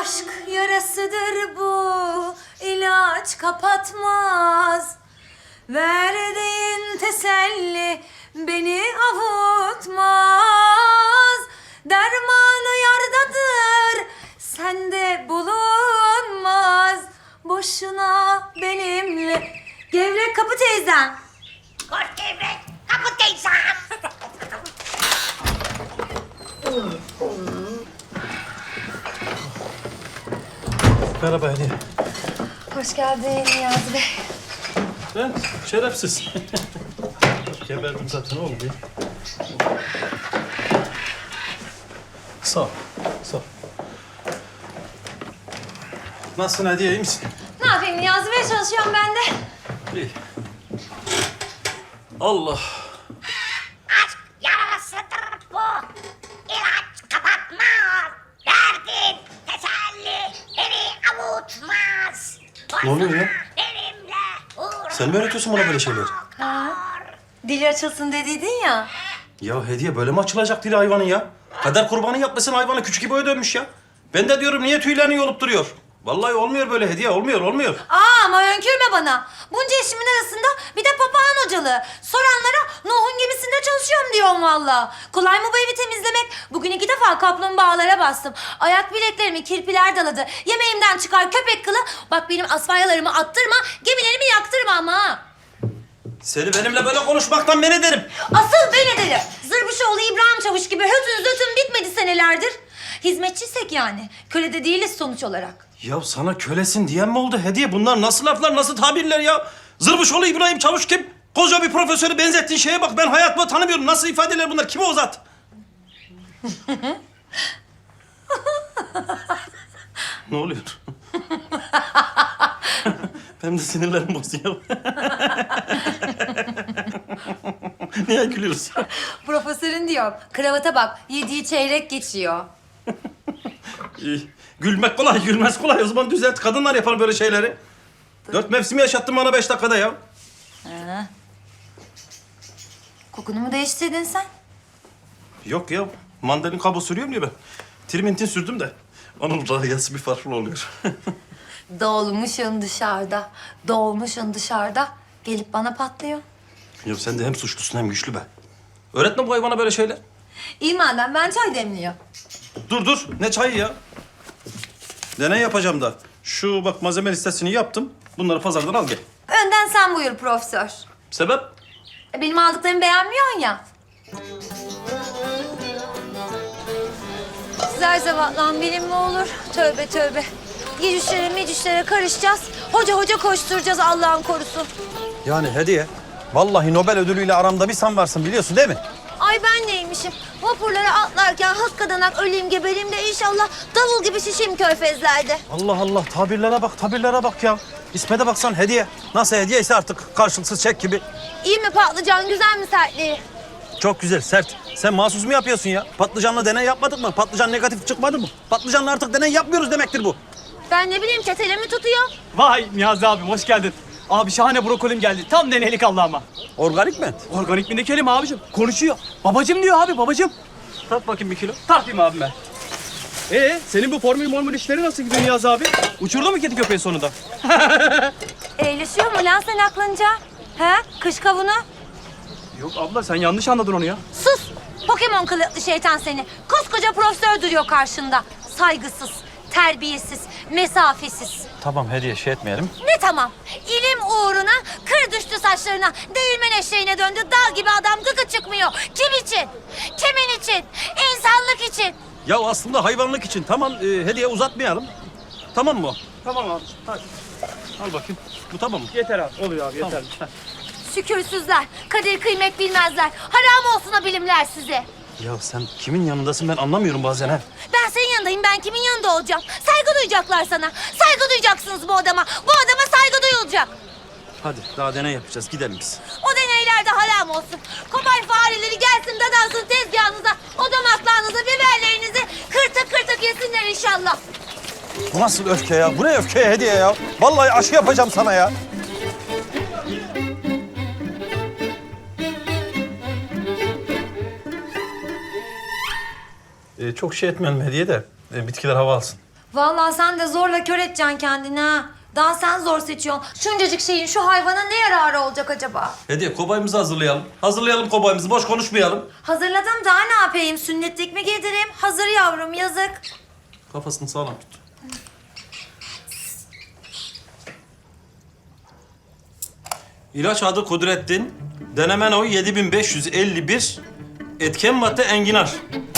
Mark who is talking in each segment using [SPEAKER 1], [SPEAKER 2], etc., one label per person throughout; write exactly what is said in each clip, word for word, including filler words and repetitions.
[SPEAKER 1] Aşk yarasıdır bu, ilaç kapatmaz. Verdiğin teselli beni avutmaz. Dermanı yardadır, sende bulunmaz. Boşuna benimle. Gevrek kapı teyzem.
[SPEAKER 2] Koş gevrek, kapı teyzem.
[SPEAKER 3] Merhaba Hediye.
[SPEAKER 1] Hoş geldin Niyazi Bey.
[SPEAKER 3] Ben şerefsiz. Geberdim zaten oğlum ya. Sağ ol, sağ ol. Nasılsın Hediye, iyi misin?
[SPEAKER 1] Ne yapayım Niyazi Bey, çalışıyorum ben de.
[SPEAKER 3] İyi. Allah.
[SPEAKER 2] Aşk yarasıdır bu, ilaç kapatmaz. Verdin teselli beni avutmaz.
[SPEAKER 3] Ne oluyor ya?
[SPEAKER 2] Benimle uğraş.
[SPEAKER 3] Sen mi öğretiyorsun bana böyle şeyler?
[SPEAKER 1] Ha? Dili açılsın dediydin ya.
[SPEAKER 3] Ya Hediye, böyle mi açılacak dili hayvanın ya? Kader kurbanı yapmasın, hayvanı küçük İbo'ya dönmüş ya. Ben de diyorum niye tüylerini yolup duruyor? Vallahi olmuyor böyle Hediye, olmuyor, olmuyor.
[SPEAKER 1] Aa, ama önkürme bana. Bunca işimin arasında bir de papağan hocalığı. Soranlara Nuh'un gemisinde çalışıyorum diyorum valla. Kolay mı bu evi temizlemek? Bugün iki defa kaplumbağalara bastım. Ayak bileklerimi kirpiler daladı. Yemeğimden çıkar köpek kılı. Bak benim asfalyalarımı attırma, gemilerimi yaktırma ama ha.
[SPEAKER 3] Seni benimle böyle konuşmaktan men ederim.
[SPEAKER 1] Asıl ben ederim. Zırbışoğlu İbrahim Çavuş gibi hötün zötün bitmedi senelerdir. Hizmetçiysek yani. Köle de değiliz sonuç olarak.
[SPEAKER 3] Ya sana kölesin diyen mi oldu Hediye? Bunlar nasıl laflar, nasıl tabirler ya? Zırbışoğlu İbrahim Çavuş kim? Koca bir profesörü benzettiğin şeye bak. Ben hayatımda tanımıyorum. Nasıl ifadeler bunlar? Kime o zat? Ne oluyor? Benim de sinirlerim bozuyor. Niye gülüyorsun?
[SPEAKER 1] Profesörün diyorum. Kravata bak. Yediği çeyrek geçiyor.
[SPEAKER 3] İyi. Gülmek kolay, gülmez kolay. O zaman düzelt. Kadınlar yapar böyle şeyleri. Dört mevsimi yaşattın bana beş dakikada ya.
[SPEAKER 1] Ha. Kokunu mu değiştirdin sen?
[SPEAKER 3] Yok ya. Mandalin kabuğu sürüyorum ya ben. Trimintin sürdüm de. Onun rahiyası bir farklı oluyor.
[SPEAKER 1] Doğulmuşsun dışarıda. Doğulmuşsun dışarıda. Gelip bana patlıyor.
[SPEAKER 3] Ya sen de hem suçlusun hem güçlü be. Öğretme bu hayvana böyle şeyler.
[SPEAKER 1] İyi madem, ben çay demliyorum.
[SPEAKER 3] Dur dur. Ne çayı ya? Deney yapacağım da. Şu bak malzeme listesini yaptım. Bunları pazardan al gel.
[SPEAKER 1] Önden sen buyur profesör.
[SPEAKER 3] Sebep?
[SPEAKER 1] E, Benim aldıklarımı beğenmiyorsun ya. Zerzevatlan bilim mi olur? Tövbe tövbe. Yecüşlere mecüşlere karışacağız. Hoca hoca koşturacağız Allah'ın korusun.
[SPEAKER 4] Yani Hediye, vallahi Nobel ödülüyle aramda bir sen varsın biliyorsun değil mi?
[SPEAKER 1] Ay ben neymişim? Vapurlara atlarken hakikaten öleyim gebereyim de inşallah davul gibi şişeyim körfezlerde.
[SPEAKER 4] Allah Allah, tabirlere bak, tabirlere bak ya. İsmete baksan Hediye. Nasıl hediye ise artık karşılıksız çek gibi.
[SPEAKER 1] İyi mi patlıcan, güzel mi sertliği?
[SPEAKER 4] Çok güzel, sert. Sen mahsus mu yapıyorsun ya? Patlıcanla deney yapmadık mı? Patlıcan negatif çıkmadı mı? Patlıcanla artık deney yapmıyoruz demektir bu.
[SPEAKER 1] Ben ne bileyim, çetele mi tutuyor?
[SPEAKER 5] Vay Niyazi abim hoş geldin. Abi şahane brokolim geldi. Tam deneylik Allah'ıma.
[SPEAKER 4] Organik mi?
[SPEAKER 5] Organik mi ne kelime abicim? Konuşuyor. Babacım diyor abi babacım. Tart bakayım bir kilo. Tartayım abim ben. Ee senin bu formül mormül işleri nasıl gidiyor Niyazi abi? Uçurdu mu kedi köpeği sonunda?
[SPEAKER 1] Eğleşiyor mu lan sen aklınca? He? Kış kavunu?
[SPEAKER 5] Yok abla sen yanlış anladın onu ya.
[SPEAKER 1] Sus! Pokemon kılıklı şeytan seni. Koskoca profesör duruyor karşında. Saygısız, terbiyesiz, mesafesiz.
[SPEAKER 4] Tamam Hediye, şey etmeyelim.
[SPEAKER 1] Ne tamam? İlim uğruna kır düştü saçlarına. Değirmen eşeğine döndü. Dal gibi adam gıkı çıkmıyor. Kim için? Kimin için? İnsanlık için.
[SPEAKER 4] Ya aslında hayvanlık için. Tamam e, Hediye, uzatmayalım. Tamam mı o?
[SPEAKER 5] Tamam abi hadi.
[SPEAKER 4] Al bakayım. Bu tamam mı?
[SPEAKER 5] Yeter abi oluyor abi yeter.
[SPEAKER 1] Şükürsüzler, kadir kıymet bilmezler. Haram olsun o bilimler size.
[SPEAKER 4] Ya sen kimin yanındasın ben anlamıyorum bazen ha.
[SPEAKER 1] Ben senin yanındayım, ben kimin yanında olacağım? Saygı duyacaklar sana. Saygı duyacaksınız bu adama. Bu adama saygı duyulacak.
[SPEAKER 4] Hadi daha deney yapacağız, gidelim biz.
[SPEAKER 1] O deneylerde haram olsun. Kobay fareleri gelsin dadansın tezgahınıza. O damaklarınıza, biberlerinizi kırtık kırtık yesinler inşallah.
[SPEAKER 4] Bu nasıl öfke ya? Bu ne öfke Hediye ya? Vallahi aşı yapacağım sana ya.
[SPEAKER 3] Ee, çok şey etmeyelim Hediye de. e, bitkiler hava alsın.
[SPEAKER 1] Vallahi sen de zorla kör edeceksin kendini ha. Daha sen zor seçiyorsun. Şuncacık şeyin şu hayvana ne yararı olacak acaba?
[SPEAKER 3] Hediye kobayımızı hazırlayalım. Hazırlayalım kobayımızı, boş konuşmayalım.
[SPEAKER 1] Hazırladım, daha ne yapayım? Sünnetlik mi giydireyim? Hazır yavrum, yazık.
[SPEAKER 3] Kafasını sağlam tut. İlaç adı Kudrettin. Denemen oyu yedi bin beş yüz elli bir. Etken madde enginar.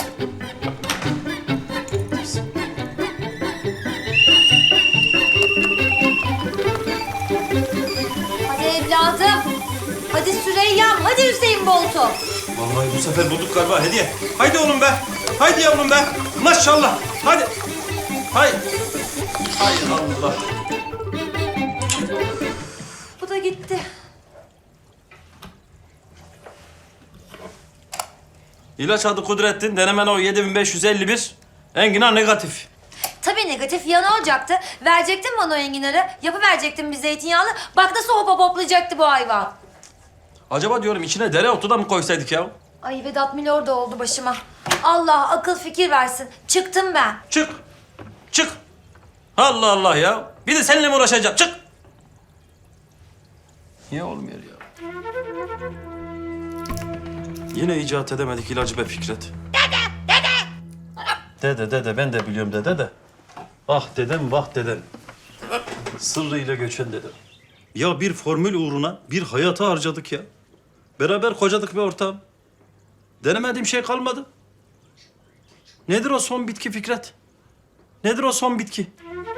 [SPEAKER 1] Hadi evladım. Hadi Süreyya'm. Hadi Hüseyin Bolt'u.
[SPEAKER 3] Vallahi bu sefer bulduk galiba Hediye. Haydi oğlum be. Haydi yavrum be. Maşallah. Hadi. Hay. Hay Allah.
[SPEAKER 1] Bu da gitti.
[SPEAKER 3] İlaç adı Kudrettin. Denemen oyu yedi bin beş yüz elli bir. Enginar negatif.
[SPEAKER 1] Tabii negatif ya, ne olacaktı? Verecektin bana o enginarı. Yapıverecektin bir zeytinyağlı. Bak nasıl hop hoplayacaktı bu hayvan.
[SPEAKER 3] Acaba diyorum içine dereotu da mı koysaydık ya?
[SPEAKER 1] Ay Vedat Milor da oldu başıma. Allah akıl fikir versin. Çıktım ben.
[SPEAKER 3] Çık. Çık. Allah Allah ya. Bir de seninle mi uğraşacağım? Çık. Niye olmuyor ya? Yine icat edemedik ilacı be Fikret. Dede, dede. Dede, dede. Ben de biliyorum dede de. Ah dedem, vah dedem. Sırrıyla göçen dedem. Ya bir formül uğruna bir hayatı harcadık ya. Beraber kocadık bir ortağım. Denemediğim şey kalmadı. Nedir o son bitki Fikret? Nedir o son bitki?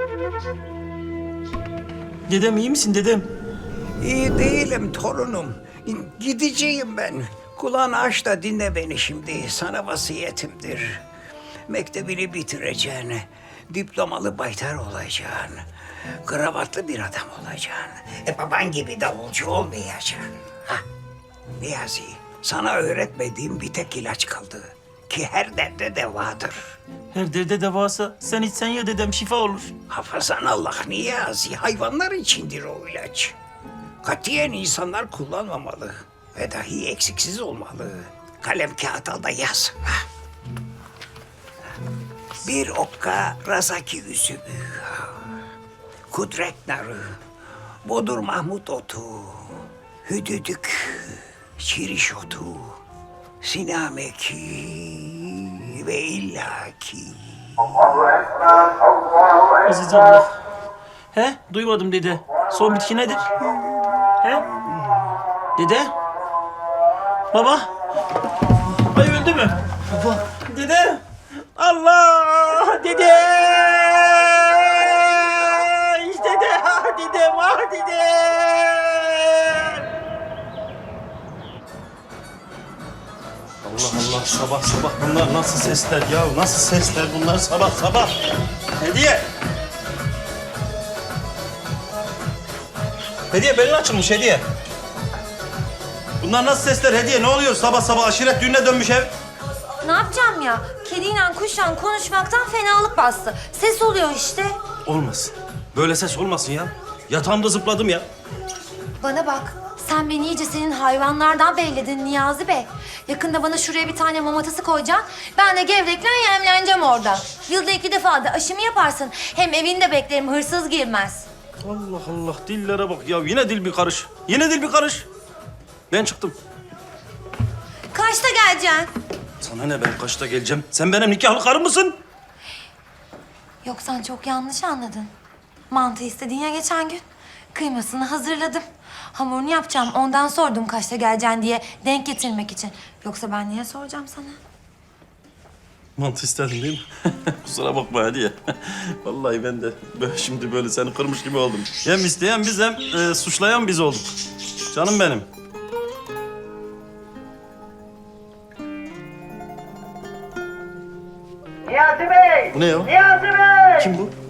[SPEAKER 3] Dedem iyi misin dedem?
[SPEAKER 6] İyi değilim torunum. Gideceğim ben. Kulağını aç da dinle beni şimdi. Sana vasiyetimdir. Mektebini bitireceksin. Diplomalı baytar olacaksın. Kravatlı bir adam olacaksın. E baban gibi davulcu olmayacaksın. Ha. Niyazi, sana öğretmediğim bir tek ilaç kaldı. Ki her derde devadır.
[SPEAKER 3] Her derde devasa sen içsen ya dedem şifa olur.
[SPEAKER 6] Hafazan Allah Niyazi, hayvanlar içindir o ilaç. Katiyen insanlar kullanmamalı. Ve dahi eksiksiz olmalı. Kalem kağıt al da yaz. Ha. Bir okka razaki üzümü. Kudret narı. Bodur Mahmut otu. Hüdüdük. Şiriş otu. Sinameki ve illaki.
[SPEAKER 3] Aziz Allah. He? Duymadım dede. Son bitki nedir? He? Dede? Baba? Ay öldü mü? Baba. Dede? Allah! Dede! İşte de! Ah dedem! Ah dedem! Allah Allah, sabah sabah bunlar nasıl sesler ya? Nasıl sesler bunlar sabah sabah? Hediye! Hediye belin açılmış Hediye. Bunlar nasıl sesler Hediye? Ne oluyor sabah sabah aşiret düğününe dönmüş ev?
[SPEAKER 1] Ne yapacağım ya? Kediyle kuşla konuşmaktan fenalık bastı. Ses oluyor işte.
[SPEAKER 3] Olmasın. Böyle ses olmasın ya. Yatağımda zıpladım ya.
[SPEAKER 1] Bana bak. Sen beni iyice senin hayvanlardan belledin Niyazi Bey. Yakında bana şuraya bir tane mamatası koyacaksın. Ben de gevrekle yemleneceğim orada. Yılda iki defa da aşımı yaparsın. Hem evinde beklerim, hırsız girmez.
[SPEAKER 3] Allah Allah dillere bak ya. Yine dil bir karış. Yine dil bir karış. Ben çıktım.
[SPEAKER 1] Kaçta geleceksin?
[SPEAKER 3] Sana ne, ben kaçta geleceğim? Sen benim nikahlı karım mısın?
[SPEAKER 1] Yok, sen çok yanlış anladın. Mantı istedin ya geçen gün. Kıymasını hazırladım. Hamurunu yapacağım. Ondan sordum kaçta geleceksin diye denk getirmek için. Yoksa ben niye soracağım sana?
[SPEAKER 3] Mantı istedin değil mi? Kusura bakma Hediye. Vallahi ben de böyle şimdi böyle seni kırmış gibi oldum. Hem isteyen biz hem e, suçlayan biz olduk. Canım benim.
[SPEAKER 7] Niyazi Bey!
[SPEAKER 3] Bu ne ya?
[SPEAKER 7] Niyazi Bey!
[SPEAKER 3] Kim bu?